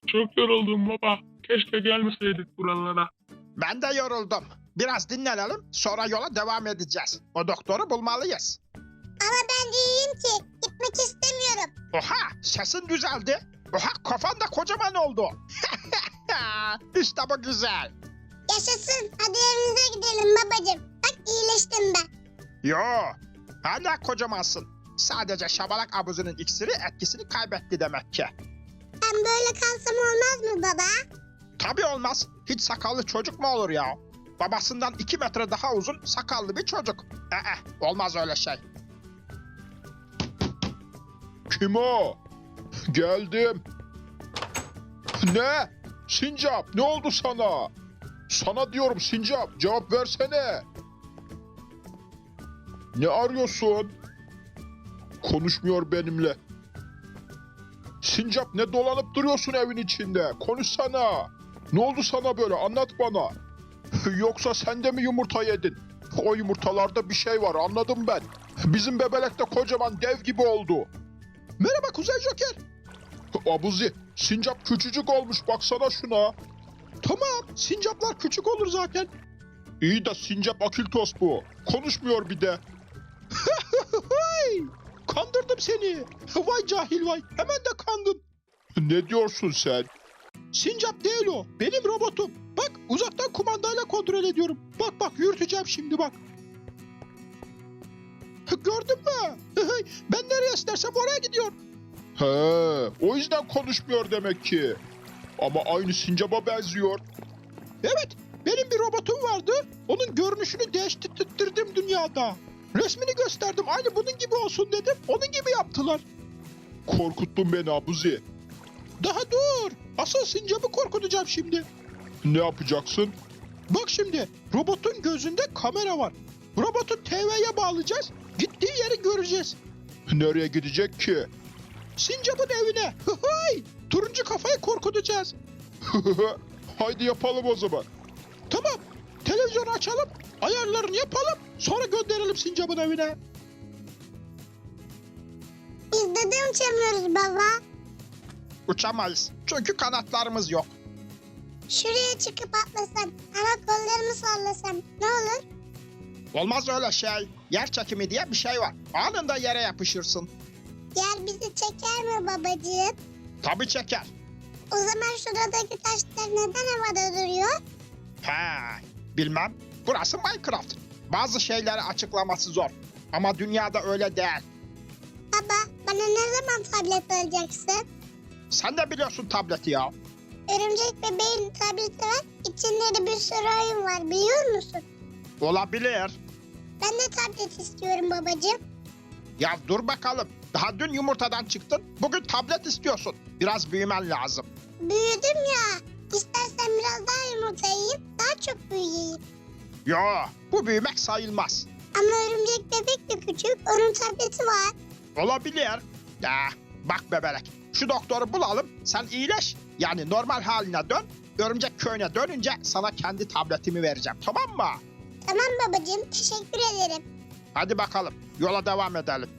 Çok yoruldum baba. Keşke gelmeseydik buralara. Ben de yoruldum. Biraz dinlenelim, sonra yola devam edeceğiz. O doktoru bulmalıyız. Ama ben iyiyim ki. Gitmek istemiyorum. Oha, sesin düzeldi. Oha, kafan da kocaman oldu. İşte bu güzel. Yaşasın. Hadi evimize gidelim babacığım. Bak iyileştim ben. Yo, hala kocamansın. Sadece şabalak abuzunun iksiri etkisini kaybetti demek ki. Ben böyle kalsam olmaz mı baba? Tabii olmaz. Hiç sakallı çocuk mu olur ya? Babasından 2 metre daha uzun sakallı bir çocuk. Olmaz öyle şey. Kim o? Geldim. Ne? Sincap, ne oldu sana? Sana diyorum Sincap, cevap versene. Ne arıyorsun? Konuşmuyor benimle. Sincap, ne dolanıp duruyorsun evin içinde? Konuşsana. Ne oldu sana böyle? Anlat bana. Yoksa sen de mi yumurta yedin? O yumurtalarda bir şey var, anladım ben. Bizim bebelek de kocaman dev gibi oldu. Merhaba Kuzey Joker. Abuzi, sincap küçücük olmuş, baksana şuna. Tamam, sincaplar küçük olur zaten. İyi de sincap akiltos bu. Konuşmuyor bir de. Kandırdım seni. Vay cahil vay, hemen de kandın. Ne diyorsun sen? Sincap değil o, benim robotum. Bak, uzaktan kumandayla kontrol ediyorum. Bak yürüteceğim şimdi bak. Gördün mü? Ben nereye istersem oraya gidiyor. He, o yüzden konuşmuyor demek ki. Ama aynı sincaba benziyor. Evet, benim bir robotum vardı. Onun görünüşünü değiştirdim dünyada. Resmini gösterdim, aynı bunun gibi olsun dedim. Onun gibi yaptılar. Korkuttun beni Abuzi. Daha dur. Asıl sincabı korkutacağım şimdi. Ne yapacaksın? Bak şimdi, robotun gözünde kamera var. Robotu TV'ye bağlayacağız. Gittiği yeri göreceğiz. Nereye gidecek ki? Sincap'ın evine. Turuncu kafayı korkutacağız. Haydi yapalım o zaman. Tamam. Televizyonu açalım. Ayarlarını yapalım. Sonra gönderelim Sincap'ın evine. Biz neden uçamıyoruz baba? Uçamayız. Çünkü kanatlarımız yok. Şuraya çıkıp atlasam, ama kollarımı sallasam ne olur? Olmaz öyle şey. Yer çekimi diye bir şey var. Anında yere yapışırsın. Yer bizi çeker mi babacığım? Tabii çeker. O zaman şuradaki taşlar neden havada duruyor? Bilmem. Burası Minecraft. Bazı şeyleri açıklaması zor. Ama dünyada öyle değil. Baba, bana ne zaman tablet alacaksın? Sen de biliyorsun tableti ya. Örümcek bebeğin tableti var. İçinde de bir sürü oyun var, biliyor musun? Olabilir. Ben de tablet istiyorum babacığım. Ya dur bakalım. Daha dün yumurtadan çıktın. Bugün tablet istiyorsun. Biraz büyümen lazım. Büyüdüm ya. İstersen biraz daha yumurta yiyeyim, daha çok büyüyeyim. Yo, bu büyümek sayılmaz. Ama örümcek bebek de küçük, onun tableti var. Olabilir. Ya bak bebelek. Şu doktoru bulalım. Sen iyileş. Yani normal haline dön. Örümcek köyüne dönünce sana kendi tabletimi vereceğim. Tamam mı? Tamam babacığım, teşekkür ederim. Hadi bakalım. Yola devam edelim.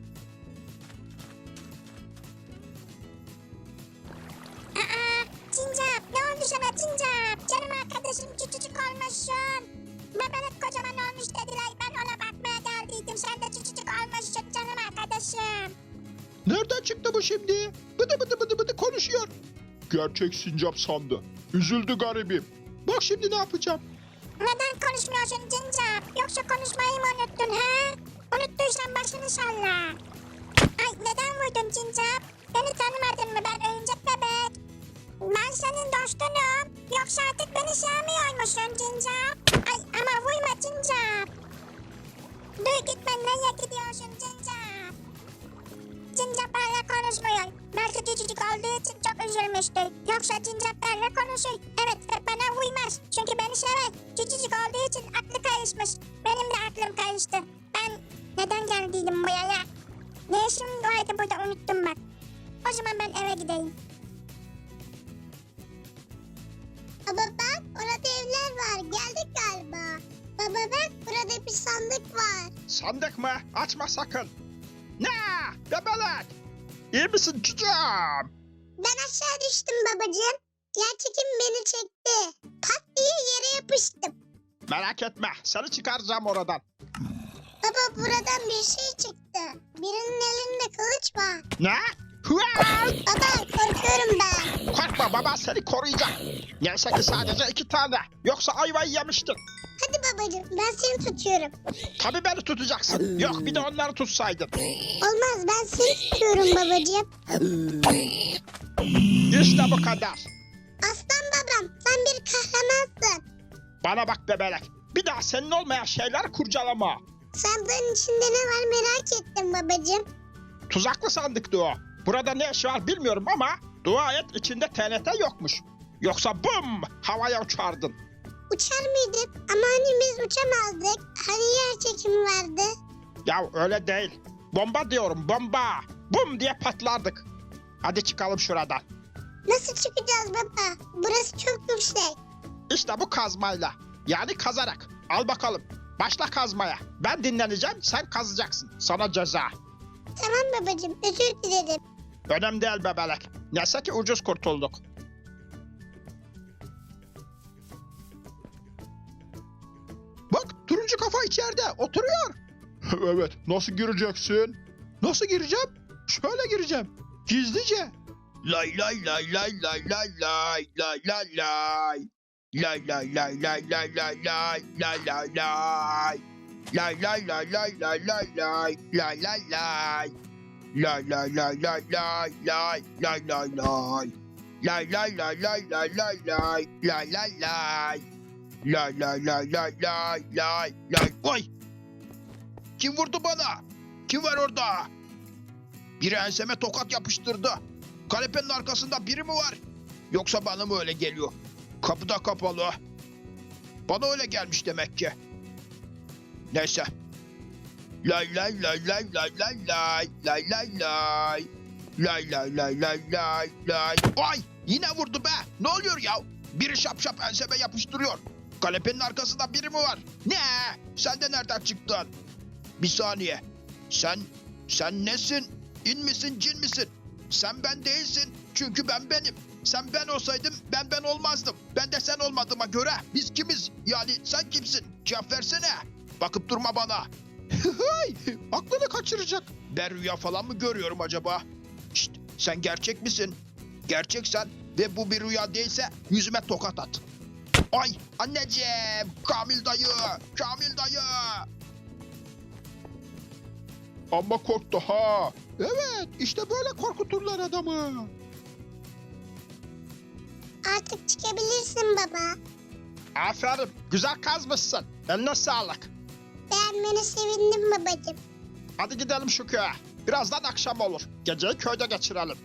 Cincap, ne oldu sana Cincap? Canım arkadaşım küçücük olmuşsun. Bebek kocaman olmuş dediler. Ben ona bakmaya geldiydim. Sen de küçücük olmuşsun canım arkadaşım. Nereden çıktı bu şimdi? Bıdı konuşuyor. Gerçek sincap sandı. Üzüldü garibim. Bak şimdi ne yapacağım. Neden konuşmuyorsun Cincap? Yoksa konuşmayı mı unuttun ha? Unuttuysan başını salla. Ay neden vurdun Cincap? Beni tanımadın mı, ben oyuncak bebek? Ben senin dostunum. Yoksa artık beni sevmiyormuşsun Cincap. Ay ama vurma Cincap. Dur gitme, nereye gidiyorsun Cincap? Cincap benimle konuşmuyor. Belki küçücük olduğu için çok üzülmüştür. Yoksa Cincap benimle konuşur. Evet ve bana uymaz. Çünkü beni sever. Küçücük olduğu için aklı karışmış. Benim de aklım karıştı. Ben neden geldiydim buraya? Ne işim vardı burada, unuttum bak. O zaman ben eve gideyim. Baba bak, orada evler var. Geldik galiba. Baba bak, burada bir sandık var. Sandık mı? Açma sakın. Ne? Bebelek. İyi misin çocuğum? Ben aşağı düştüm babacığım. Yer çekim beni çekti. Pat diye yere yapıştım. Merak etme, seni çıkaracağım oradan. Baba buradan bir şey çıktı. Birinin elinde kılıç var. Ne? Hıa! Baba korkuyorum ben. Korkma, baba seni koruyacak. Neyse ki sadece 2 tane. Yoksa ayvayı yemiştin. Hadi babacığım ben seni tutuyorum. Tabii beni tutacaksın. Yok bir de onları tutsaydın. Olmaz ben seni tutuyorum babacığım. İşte bu kadar. Aslan babam sen bir kahramansın. Bana bak bebelek. Bir daha senin olmayan şeyler kurcalama. Sandığın içinde ne var merak ettim babacığım. Tuzaklı sandıktı o. Burada ne iş var bilmiyorum ama dua et içinde TNT yokmuş. Yoksa bum havaya uçardın. Uçar mıydık? Ama hani biz uçamazdık. Hani yer çekimi vardı. Ya öyle değil. Bomba diyorum bomba. Bum diye patlardık. Hadi çıkalım şuradan. Nasıl çıkacağız baba? Burası çok yüksek. İşte bu kazmayla. Yani kazarak. Al bakalım. Başla kazmaya. Ben dinleneceğim sen kazacaksın. Sana ceza. Tamam babacığım özür dilerim. Önemli değil bebelek. Neyse ki ucuz kurtulduk. Bak turuncu kafa içeride oturuyor. Evet, nasıl gireceksin? Nasıl gireceğim? Şöyle gireceğim. Gizlice. Lay lay lay lay lay lay lay lay lay lay. Lay lay lay lay lay lay lay lay lay lay. Lay lay lay lay lay lay lay lay lay lay. Lay lay lay lay lay lay lay lay lay. Lay lay lay lay lay lay lay lay lay lay. Lay lay lay lay lay lay lay. Oy! Kim vurdu bana? Kim var orada? Biri enseme tokat yapıştırdı. Kanepenin arkasında biri mi var? Yoksa bana mı öyle geliyor? Kapı da kapalı. Bana öyle gelmiş demek ki. Neyse. Lay lay lay lay lay lay lay lay lay lay. Lay lay lay lay lay lay. Ay! Yine vurdu be. Ne oluyor ya? Biri şap şap enseme yapıştırıyor. Kanepenin arkasında biri mi var? Ne? Sen de nereden çıktın? Bir saniye. Sen nesin? İn misin, cin misin? Sen ben değilsin. Çünkü ben benim. Sen ben olsaydım ben olmazdım. Ben de sen olmadığıma göre biz kimiz? Yani sen kimsin? Cevap versene. Bakıp durma bana. Aklını kaçıracak. Ben rüya falan mı görüyorum acaba? Şşt, sen gerçek misin? Gerçeksen ve bu bir rüya değilse yüzüme tokat at. Ay anneciğim, Kamil dayı, Kamil dayı. Ama korktu ha. Evet, işte böyle korkuturlar adamı. Artık çıkabilirsin baba. Aferin, güzel kazmışsın. Eline sağlık. Beğenmene sevindim babacığım. Hadi gidelim şu köye. Birazdan akşam olur. Geceyi köyde geçirelim.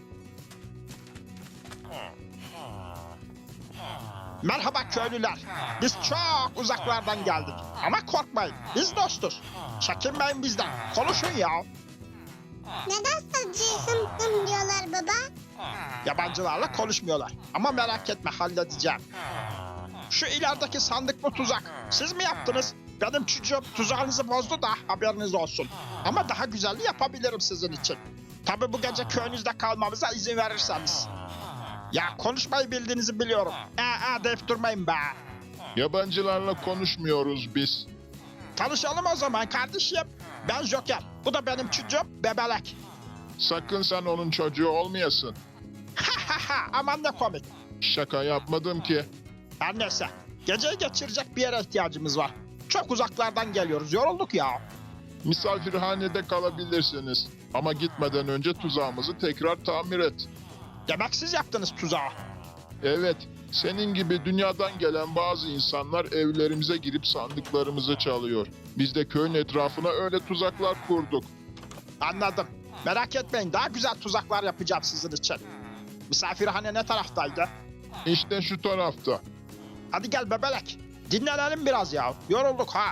Merhaba köylüler. Biz çok uzaklardan geldik. Ama korkmayın. Biz dostuz. Çekinmeyin bizden. Konuşun ya. Neden sadece hım hım diyorlar baba? Yabancılarla konuşmuyorlar. Ama merak etme halledeceğim. Şu ilerideki sandık mı tuzak? Siz mi yaptınız? Benim çocuğum tuzağınızı bozdu da haberiniz olsun. Ama daha güzelini yapabilirim sizin için. Tabii bu gece köyünüzde kalmamıza izin verirseniz. Ya konuşmayı bildiğinizi biliyorum. Deyip durmayın be. Yabancılarla konuşmuyoruz biz. Tanışalım o zaman kardeşim. Ben Joker. Bu da benim çocuğum Bebelek. Sakın sen onun çocuğu olmayasın. Aman ne komik. Şaka yapmadım ki. Her neyse. Geceyi geçirecek bir yere ihtiyacımız var. Çok uzaklardan geliyoruz. Yorulduk ya. Misafirhanede kalabilirsiniz. Ama gitmeden önce tuzağımızı tekrar tamir et. Demek siz yaptınız tuzağı. Evet, senin gibi dünyadan gelen bazı insanlar evlerimize girip sandıklarımızı çalıyor. Biz de köyün etrafına öyle tuzaklar kurduk. Anladım. Merak etmeyin. Daha güzel tuzaklar yapacağım sizin için. Misafirhane ne taraftaydı? İşte şu tarafta. Hadi gel Bebelek. Dinlenelim biraz ya. Yorulduk ha.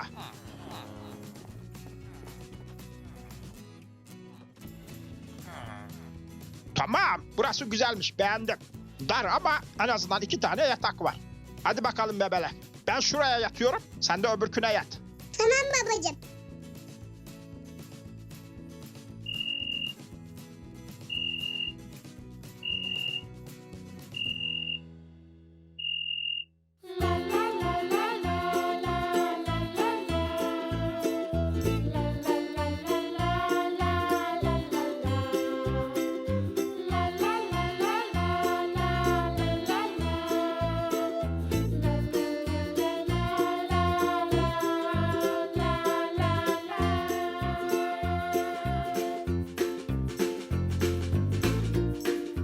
Tamam. Burası güzelmiş. Beğendim. Dar ama en azından 2 tane yatak var. Hadi bakalım Bebelek. Ben şuraya yatıyorum. Sen de öbürküne yat. Tamam babacığım.